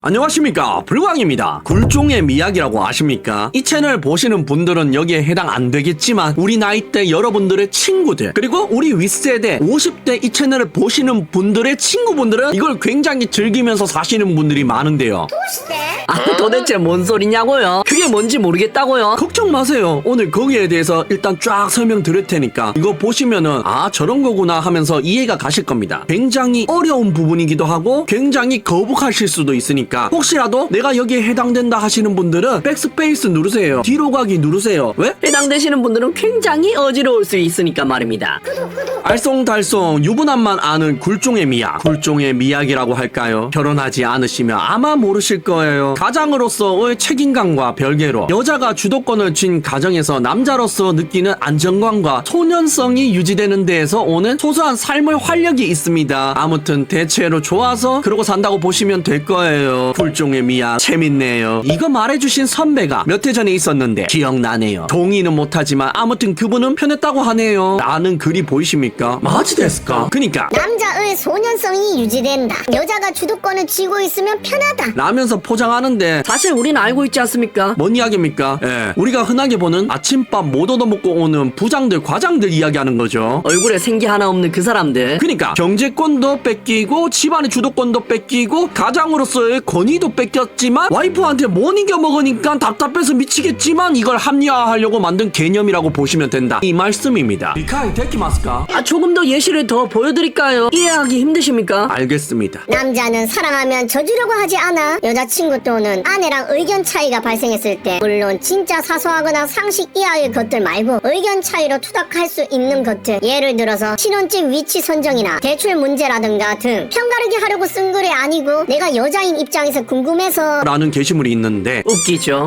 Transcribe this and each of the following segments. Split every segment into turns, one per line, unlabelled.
안녕하십니까, 불광입니다. 굴종의 미학이라고 아십니까? 이 채널 보시는 분들은 여기에 해당 안 되겠지만 우리 나이대 여러분들의 친구들, 그리고 우리 윗세대 50대 이 채널을 보시는 분들의 친구분들은 이걸 굉장히 즐기면서 사시는 분들이 많은데요.
도대체 뭔 소리냐고요? 그게 뭔지 모르겠다고요?
걱정 마세요. 오늘 거기에 대해서 일단 쫙 설명 드릴 테니까 이거 보시면은 아, 저런 거구나 하면서 이해가 가실 겁니다. 굉장히 어려운 부분이기도 하고 굉장히 거북하실 수도 있으니까 혹시라도 내가 여기에 해당된다 하시는 분들은 백스페이스 누르세요. 뒤로 가기 누르세요. 왜?
해당되시는 분들은 굉장히 어지러울 수 있으니까 말입니다.
알쏭달쏭 유부남만 아는 굴종의 미학. 굴종의 미학이라고 할까요? 결혼하지 않으시면 아마 모르실 거예요. 가장으로서의 책임감과 별개로 여자가 주도권을 쥔 가정에서 남자로서 느끼는 안정감과 소년성이 유지되는 데에서 오는 소소한 삶의 활력이 있습니다. 아무튼 대체로 좋아서 그러고 산다고 보시면 될 거예요. 굴종의 미학 재밌네요. 이거 말해주신 선배가 몇 해 전에 있었는데 기억나네요. 동의는 못하지만 아무튼 그분은 편했다고 하네요. 라는 글이 보이십니까? 마지 됐을까? 그니까
남자의 소년성이 유지된다. 여자가 주도권을 쥐고 있으면 편하다.
라면서 포장하는데
사실 우린 알고 있지 않습니까?
뭔 이야기입니까? 예, 우리가 흔하게 보는 아침밥 못 얻어먹고 오는 부장들, 과장들 이야기하는 거죠.
얼굴에 생기 하나 없는 그 사람들.
그러니까 경제권도 뺏기고 집안의 주도권도 뺏기고 가장으로서의 권위도 뺏겼지만 와이프한테 못 이겨먹으니까 답답해서 미치겠지만 이걸 합리화하려고 만든 개념이라고 보시면 된다, 이 말씀입니다. 리카이 데키마스까?
조금 더 예시를 더 보여드릴까요? 이해하기 힘드십니까?
알겠습니다.
남자는 사랑하면 져주려고 하지 않아. 여자친구 또는 아내랑 의견 차이가 발생했을 때, 물론 진짜 사소하거나 상식 이하의 것들 말고 의견 차이로 투닥할 수 있는 것들, 예를 들어서 신혼집 위치 선정이나 대출 문제라든가 등 편가르기 하려고 쓴 글이 아니고 내가 여자인 입장에서 궁금해서
라는 게시물이 있는데
웃기죠?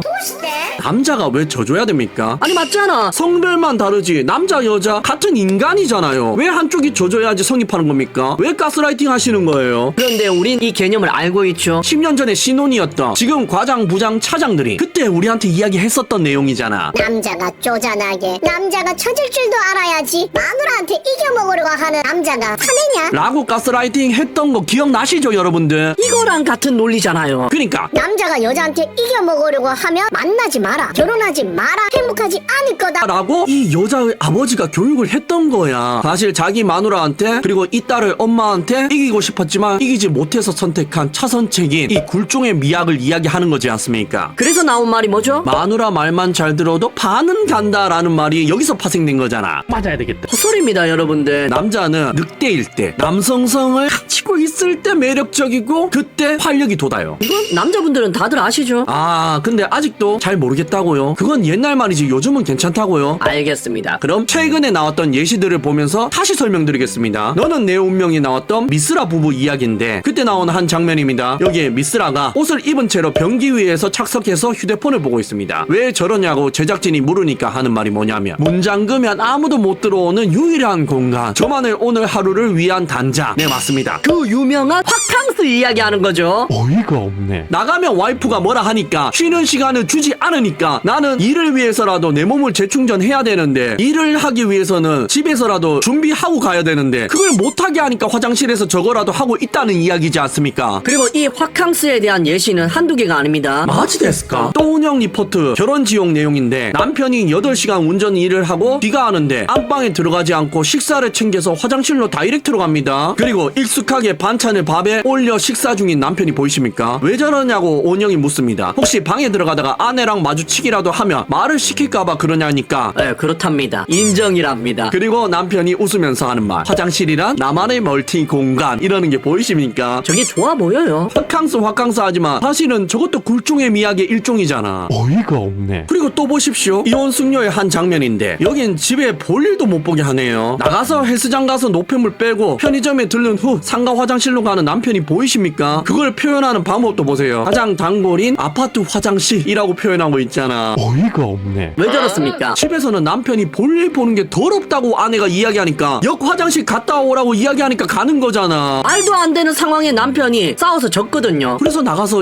남자가 왜 져줘야 됩니까?
아니 맞잖아.
성별만 다르지 남자 여자 같은 인간이잖아요. 왜 한쪽이 져줘야지 성립하는 겁니까? 왜 가스라이팅 하시는 거예요?
그런데 우린 이 개념을 알고 있죠.
10년 전에 신혼이었던 지금 과장 부장 차장들이 그때 우리한테 이야기했었던 내용이잖아.
남자가 쪼잔하게, 남자가 처질 줄도 알아야지 마누라한테 이겨먹으려고 하는 남자가 사내냐?
라고 가스라이팅 했던 거 기억나시죠, 여러분들?
이거랑 같은 논리잖아요.
그러니까
남자가 여자한테 이겨먹으려고 하면 만나지 마라, 결혼하지 마라, 행복하지 않을 거다.
라고 이 여자의 아버지가 교육을 했던 거야. 사실 자기 마누라한테 그리고 이 딸을 엄마한테 이기고 싶었지만 이기지 못해서 선택한 차선책인 이 굴종의 미학을 이야기하는 거지 않습니까?
그래서 나온 말이 뭐죠?
마누라 말만 잘 들어도 반은 간다라는 말이 여기서 파생된 거잖아. 맞아야 되겠다.
헛소리입니다 여러분들.
남자는 늑대일 때, 남성성을 갖추고 있을 때 매력적이고 그때 활력이 돋아요.
이건 남자분들은 다들 아시죠?
아, 근데 아직도 잘 모르겠다고요? 그건 옛날 말이지 요즘은 괜찮다고요?
알겠습니다.
그럼 최근에 나왔던 예시들을 보면서 다시 설명드리겠습니다. 너는 내 운명이 나왔던 미쓰라 부부 이야기인데 그때 나온 한 장면입니다. 여기에 미쓰라가 옷을 입은 채로 변기 위에서 착석해서 휴대폰을 보고 있습니다. 왜 저러냐고 제작진이 물으니까 하는 말이 뭐냐면 문 잠그면 아무도 못 들어오는 유일한 공간, 저만의 오늘 하루를 위한 단자. 네, 맞습니다.
그 유명한 화캉스 이야기하는 거죠.
어이가 없네. 나가면 와이프가 뭐라 하니까 쉬는 시간을 주지 않으니까 나는 일을 위해서라도 내 몸을 재충전해야 되는데 일을 하기 위해서는 집에서라도 준비하고 가야 되는데 그걸 못하게 하니까 화장실에서 저거라도 하고 있다는 이야기지 않습니까?
그리고 이 화캉스에 대한 예시는 한두 개가 아닙니다.
마지 됐을까? 또운영 리포트 결혼 지용 내용인데 남편이 8시간 운전 일을 하고 귀가하는데 안방에 들어가지 않고 식사를 챙겨서 화장실로 다이렉트로 갑니다. 그리고 익숙하게 반찬을 밥에 올려 식사 중인 남편이 보이십니까? 왜 저러냐고 온영이 묻습니다. 혹시 방에 들어가다가 아내랑 마주치기라도 하면 말을 시킬까봐 그러냐니까
네, 그렇답니다. 인정이랍니다.
그리고 남편이 웃으면서 하는 말, 화장실이란 나만의 멀티 공간, 이러는 게 보이십니까?
저게 좋아 보여요.
화캉스 하지만 사실은 저것도 굴종의 미학의 일종이잖아.
어이가 없네.
그리고 또 보십시오. 이혼 숙녀의 한 장면인데 여긴 집에 볼 일도 못 보게 하네요. 나가서 헬스장 가서 노폐물 빼고 편의점에 들른 후 상가 화장실로 가는 남편이 보이십니까? 그걸 표현하는 방법도 보세요. 가장 단골인 아파트 화장실이라고 표현하고 있잖아.
어이가 없네.
왜 저렇습니까?
집에서는 남편이 볼일 보는 게 더럽다고 아내가 이야기하니까 역 화장실 갔다 오라고 이야기하니까 가는 거잖아.
말도 안 되는 상황에 남편이 싸워서 졌거든요.
그래서 나가서 이렇게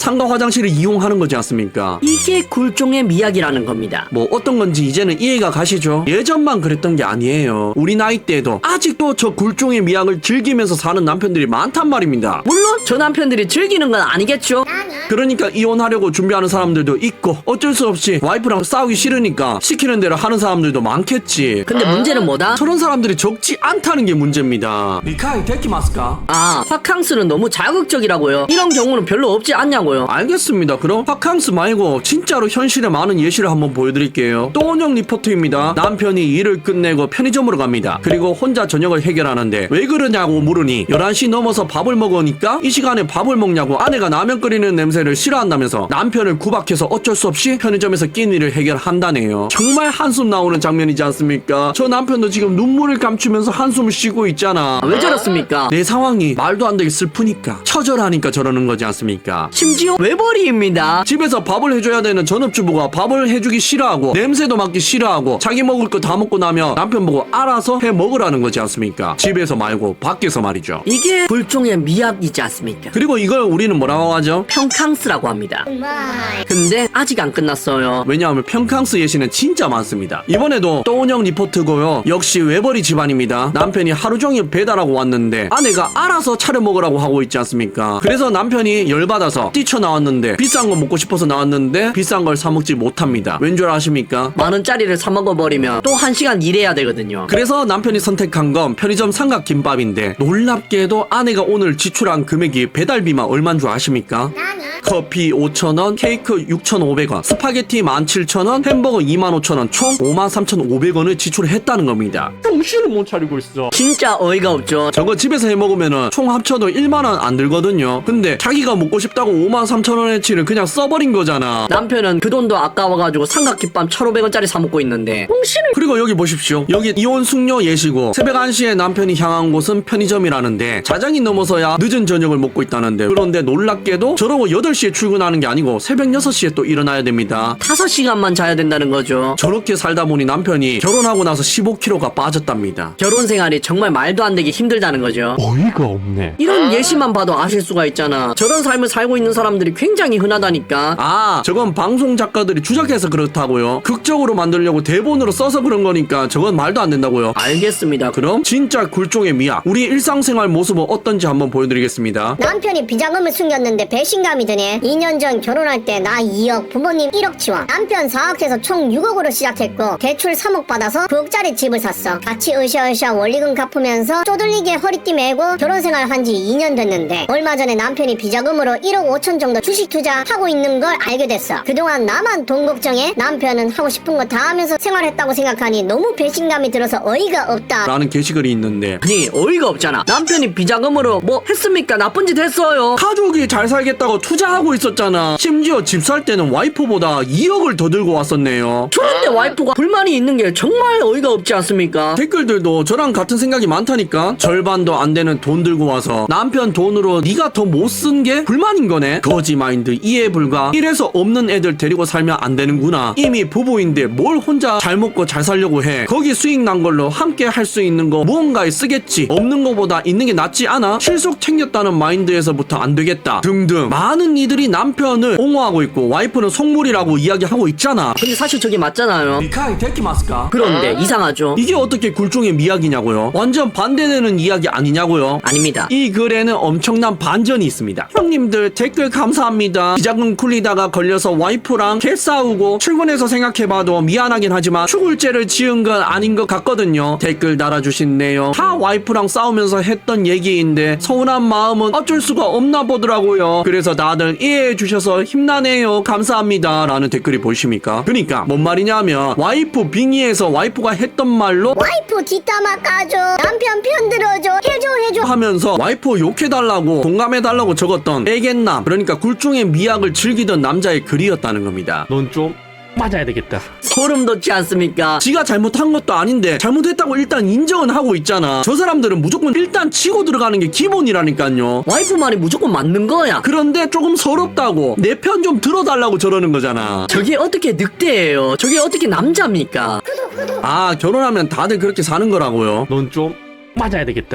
상가 화장실을 이용하는 거지 않습니까?
이게 굴종의 미학이라는 겁니다.
뭐 어떤 건지 이제는 이해가 가시죠? 예전만 그랬던 게 아니에요. 우리 나이 때도 아직도 저 굴종의 미학을 즐기면서 사는 남편들이 많단 말입니다.
물론 저 남편들이 즐기는 건 아니겠죠.
그러니까 이혼하려고 준비하는 사람들도 있고 어쩔 수 없이 와이프랑 싸우기 싫으니까 시키는 대로 하는 사람들도 많겠지.
근데 문제는 뭐다?
저런 사람들이 적지 않다는 게 문제입니다. 미카이 데키마스까?
아, 화캉스는 너무 자극적이라고요. 이런 경우는 별로 없지 않냐고요.
알겠습니다. 그럼 화캉스 말고 진짜로 현실에 많은 예시를 한번 보여드릴게요. 또원영 리포트입니다. 남편이 일을 끝내고 편의점으로 갑니다. 그리고 혼자 저녁을 해결하는데 왜 그러냐고 물으니 11시 넘어서 밥을 먹으니까 이 시간에 밥을 먹냐고 아내가 라면 끓이는 냄새를 싫어한다면서 남편을 구박해서 어쩔 수 없이 편의점에서 끼니를 해결한다네요. 정말 한숨 나오는 장면이지 않습니까? 저 남편도 지금 눈물을 감추면서 한숨을 쉬고 있잖아.
왜 저렇습니까?
내 상황이 말도 안 되게 슬프니까 처절하니까 저러는 거지 않습니까?
심지어 외벌이입니다.
집에서 밥을 해줘야 되는 전업주부가 밥을 해주기 싫어하고 냄새도 맡기 싫어하고 자기 먹을 거 다 먹고 나면 남편 보고 알아서 해 먹으라는 거지 않습니까? 집에서 말고 밖에서 말이죠.
이게 굴종의 미학이지 않습니까?
그리고 이걸 우리는 뭐라고 하죠?
평캉스라고 합니다.
정말
근데 아직 안 끝났어요.
왜냐하면 평캉스 예시는 진짜 많습니다. 이번에도 또운영 리포트고요. 역시 외벌이 집안입니다. 남편이 하루 종일 배달하고 왔는데 아내가 알아서 차려 먹으라고 하고 있지 않습니까? 그래서 남편이 열받아서 뛰쳐나왔는데 비싼 거 먹고 싶어서 나왔는데 비싼 걸 사 먹지 못합니다. 왠 줄 아십니까?
10,000원짜리를 사 먹어버리면 또 1시간 일해야 되거든요.
그래서 남편이 선택한 건 편의점 삼각김밥인데 놀랍게도 아내가 오늘 지출한 금액이 배달비만 얼마인 줄 아십니까? 커피 5,000원, 케이크 6,500원, 스파게티 17,000원, 햄버거 25,000원, 총 53,500원을 지출했다는 겁니다.
정신을 못 차리고 있어.
진짜 어이가 없죠.
저거 집에서 해 먹으면은 총 합쳐도 1만원 안 들거든요. 근데 자기가 먹고 싶다고 53,000원어치를 그냥 써버린 거잖아.
남편은 그 돈도 아까워가지고 삼각김밥 1,500원짜리 사 먹고 있는데 홍신을.
그리고 여기 보십시오. 여기 이혼 숙녀 예시고 새벽 1시에 남편이 향한 곳은 편의점이라는데 자장이 넘어서야 늦은 저녁을 먹고 있다는데 그런데 놀랍게도 저러고 8시에 출근하는 게 아니고 새벽 6시에 또 일어나야 됩니다.
5시간만 자야 된다는 거죠.
저렇게 살다 보니 남편이 결혼하고 나서 15kg가 빠졌답니다.
결혼 생활이 정말 말도 안 되게 힘들다는 거죠.
어이가 없네.
이런 예시만 봐도 아실 수가 있잖아. 저런 삶을 살고 있는 사람들이 굉장히 흔하다니까.
아, 저건 방송 작가들이 주작해서 그렇다고요? 극적으로 만들려고 대본으로 써서 그런 거니까 저건 말도 안 된다고요?
알겠습니다.
그럼 진짜 굴종의 미학, 우리 일상생활 모습은 어떤지 한번 보여드리겠습니다.
남편이 비자금을 숨겼는데 배신감이 드네. 2년 전 결혼할 때 나 2억, 부모님 1억 지원. 남편 사업해서 총 6억으로 시작했고 대출 3억 받아서 9억짜리 집을 샀어. 같이 으쌰으쌰 원리금 갚으면서 쪼들리게 허리띠 메고 결혼생활 한 지 2년 됐는데 얼마 전에 남편이 비자금으로 1억 5천 정도 주식 투자하고 있는 걸 알게 됐어. 그동안 나만 돈 걱정해 남편은 하고 싶은 거 다 하면서 생활했다고 생각하니 너무 배신감이 들어서 어이가 없다.
라는 게시글이 있는데
아니 어이가 없잖아. 남편이 비자금으로 뭐 했습니까? 나쁜 짓 했어요.
가족이 잘 살겠다고 투자하고 있었잖아. 심지어 집 살 때는 와이프보다 2억을 더 들고 왔었네요.
그런데 와이프가 불만이 있는 게 정말 어이가 없지 않습니까?
댓글들도 저랑 같은 생각이 많다니까. 절반도 안 되는 돈 들고 와서 남편 돈으로 네가 더 못 쓴 게 불만인 거네. 거지 마인드 이해 불가. 이래서 없는 애들 데리고 살면 안 되는구나. 이미 부부인데 뭘 혼자 잘 먹고 잘 살려고 해. 거기 수익 난 걸로 함께 할 수 있는 거 무언가에 쓰겠지. 없는 거보다 있는 게 낫지 않아? 실속 챙겼다는 마인드에서부터 안 되겠다 등등 많은 이들이 남편을 옹호하고 있고 와이프는 속물이라고 이야기하고 있잖아.
근데 사실 저게 맞잖아요.
미카이 데키마스까?
그런데 이상하죠?
이게 어떻게 굴종의 미학이냐고요? 완전 반대되는 이야기 아니냐고요?
아닙니다.
이 글에는 엄청난 반전이 있습니다. 형님들 댓글 감사합니다. 비자금 굴리다가 걸려서 와이프랑 개 싸우고 출근해서 생각해봐도 미안하긴 하지만 죽을죄를 지은 건 아닌 것 같거든요. 댓글 달아주신 내용 다 와이프랑 싸우면서 했던 얘기인데 서운한 마음은 어쩔 수가 없나 보더라고요. 그래서 다들 이해해 주셔서 힘나네요. 감사합니다. 라는 댓글이 보이십니까? 그러니까 뭔 말이냐면 와이프 빙의해서 와이프가 했던 말로
와이프 뒷담화 까줘. 남편 편 들어줘. 해줘.
하면서 와이프 욕해달라고 공감해달라고 적었던 애견남, 그러니까 굴종의 미학을 즐기던 남자의 글이었다는 겁니다.
넌 좀 맞아야 되겠다.
소름 돋지 않습니까?
지가 잘못한 것도 아닌데 잘못했다고 일단 인정은 하고 있잖아. 저 사람들은 무조건 일단 치고 들어가는 게 기본이라니까요.
와이프 말이 무조건 맞는 거야.
그런데 조금 서럽다고 내 편 좀 들어달라고 저러는 거잖아.
저게 어떻게 늑대예요? 저게 어떻게 남자입니까?
아, 결혼하면 다들 그렇게 사는 거라고요.
넌 좀 맞아야 되겠다.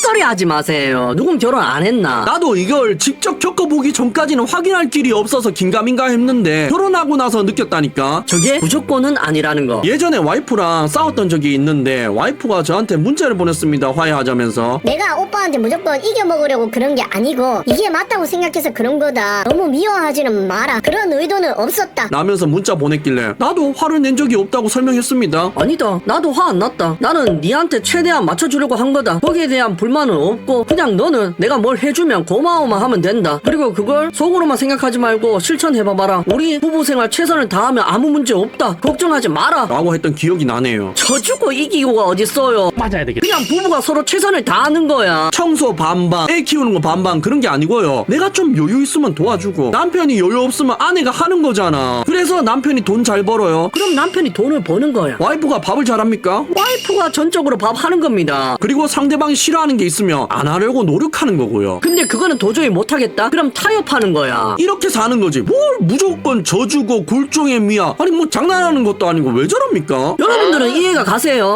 헛소리 하지 마세요. 누군 결혼 안 했나?
나도 이걸 직접 겪어보기 전까지는 확인할 길이 없어서 긴가민가 했는데 결혼하고 나서 느꼈다니까.
저게 무조건은 아니라는 거.
예전에 와이프랑 싸웠던 적이 있는데 와이프가 저한테 문자를 보냈습니다. 화해하자면서.
내가 오빠한테 무조건 이겨먹으려고 그런 게 아니고 이게 맞다고 생각해서 그런 거다. 너무 미워하지는 마라. 그런 의도는 없었다.
라면서 문자 보냈길래 나도 화를 낸 적이 없다고 설명했습니다.
아니다. 나도 화 안 났다. 나는 니한테 최대한 맞춰주려고 한 거다. 거기에 대한 불만은 없고 그냥 너는 내가 뭘 해주면 고마워만 하면 된다. 그리고 그걸 속으로만 생각하지 말고 실천해봐봐라. 우리 부부 생활 최선을 다하면 아무 문제 없다. 걱정하지 마라.
라고 했던 기억이 나네요.
져주고 이기고가 어딨어요.
맞아야 되겠다.
그냥 부부가 서로 최선을 다하는 거야.
청소 반반, 애 키우는 거 반반 그런 게 아니고요. 내가 좀 여유 있으면 도와주고 남편이 여유 없으면 아내가 하는 거잖아. 그래서 남편이 돈 잘 벌어요.
그럼 남편이 돈을 버는 거야.
와이프가 밥을 잘합니까?
와이프가 전적으로 밥 하는 겁니다.
그리고 상대방이 싫어하는 게 있으면 안 하려고 노력하는 거고요.
근데 그거는 도저히 못하겠다? 그럼 타협하는 거야.
이렇게 사는 거지. 뭘 무조건 져주고 굴종의 미야. 아니 뭐 장난하는 것도 아니고 왜 저럽니까?
여러분들은 이해가 가세요?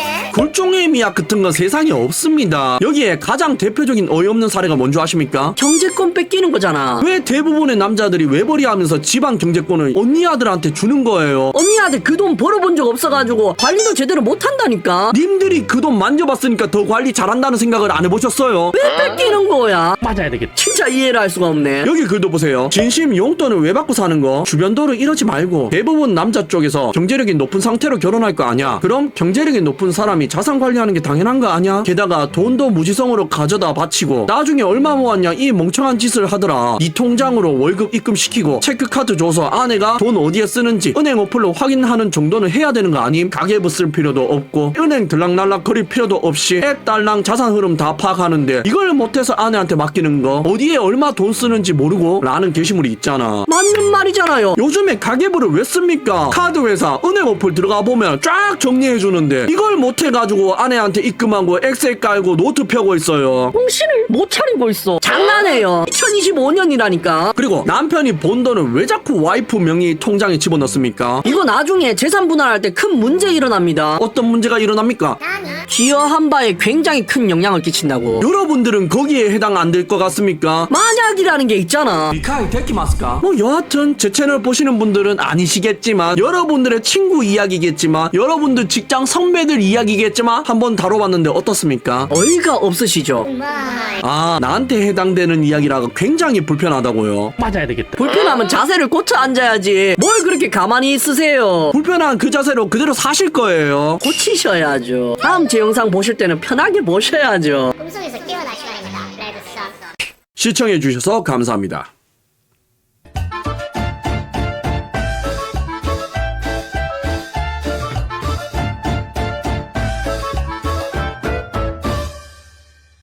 굴종의 미약 같은 건 세상에 없습니다. 여기에 가장 대표적인 어이없는 사례가 뭔지 아십니까?
경제권 뺏기는 거잖아.
왜 대부분의 남자들이 외벌이 하면서 집안 경제권을 언니 아들한테 주는 거예요?
언니한테 그 돈 벌어본 적 없어가지고 관리도 제대로 못한다니까.
님들이 그 돈 만져봤으니까 더 관리 잘한다는 생각을 안 해보셨어요?
왜 뺏기는 거야?
맞아야 되겠다.
진짜 이해를 할 수가 없네.
여기 글도 보세요. 진심 용돈을 왜 받고 사는 거? 주변도로 이러지 말고. 대부분 남자 쪽에서 경제력이 높은 상태로 결혼할 거 아니야? 그럼 경제력이 높은 사람이 자산 관리하는 게 당연한 거 아니야? 게다가 돈도 무지성으로 가져다 바치고 나중에 얼마 모았냐 이 멍청한 짓을 하더라. 네 통장으로 월급 입금시키고 체크카드 줘서 아내가 돈 어디에 쓰는지 은행 어플로 확인하는 정도는 해야 되는 거 아님? 가계부 쓸 필요도 없고 은행 들락날락 거릴 필요도 없이 애 딸랑 자산 흐름 다 파악하는데 이걸 못해서 아내한테 맡기는 거 어디에 얼마 돈 쓰는지 모르고 라는 게시물이 있잖아.
맞는 말이잖아요.
요즘에 가계부를 왜 씁니까? 카드 회사 은행 어플 들어가 보면 쫙 정리해 주는데 이걸 못 해가지고 아내한테 입금하고 엑셀 깔고 노트 펴고 있어요.
정신을 못 차리고 있어. 장난해요. 2025년이라니까.
그리고 남편이 번 돈을 왜 자꾸 와이프 명의 통장에 집어넣습니까?
이거 나중에 재산 분할할 때 큰 문제 일어납니다.
어떤 문제가 일어납니까?
기여한 바에 굉장히 큰 영향을 끼친다고.
여러분들은 거기에 해당 안 될 것 같습니까?
만약이라는 게 있잖아.
미카이 데키마스까? 뭐 여하튼 제 채널 보시는 분들은 아니시겠지만 여러분들의 친구 이야기겠지만 여러분들 직장 선배들 이야기겠지만 한번 다뤄봤는데 어떻습니까?
어이가 없으시죠?
아 나한테 해당되는 이야기라고 굉장히 불편하다고요.
맞아야 되겠다.
불편하면 자세를 고쳐 앉아야지. 뭘 그렇게 가만히 있으세요?
불편한 그 자세로 그대로 사실 거예요.
고치셔야죠. 다음 제 영상 보실 때는 편하게 보셔야죠.
꿈속에서 깨어날 시간입니다. 레드 선.
시청해주셔서 감사합니다.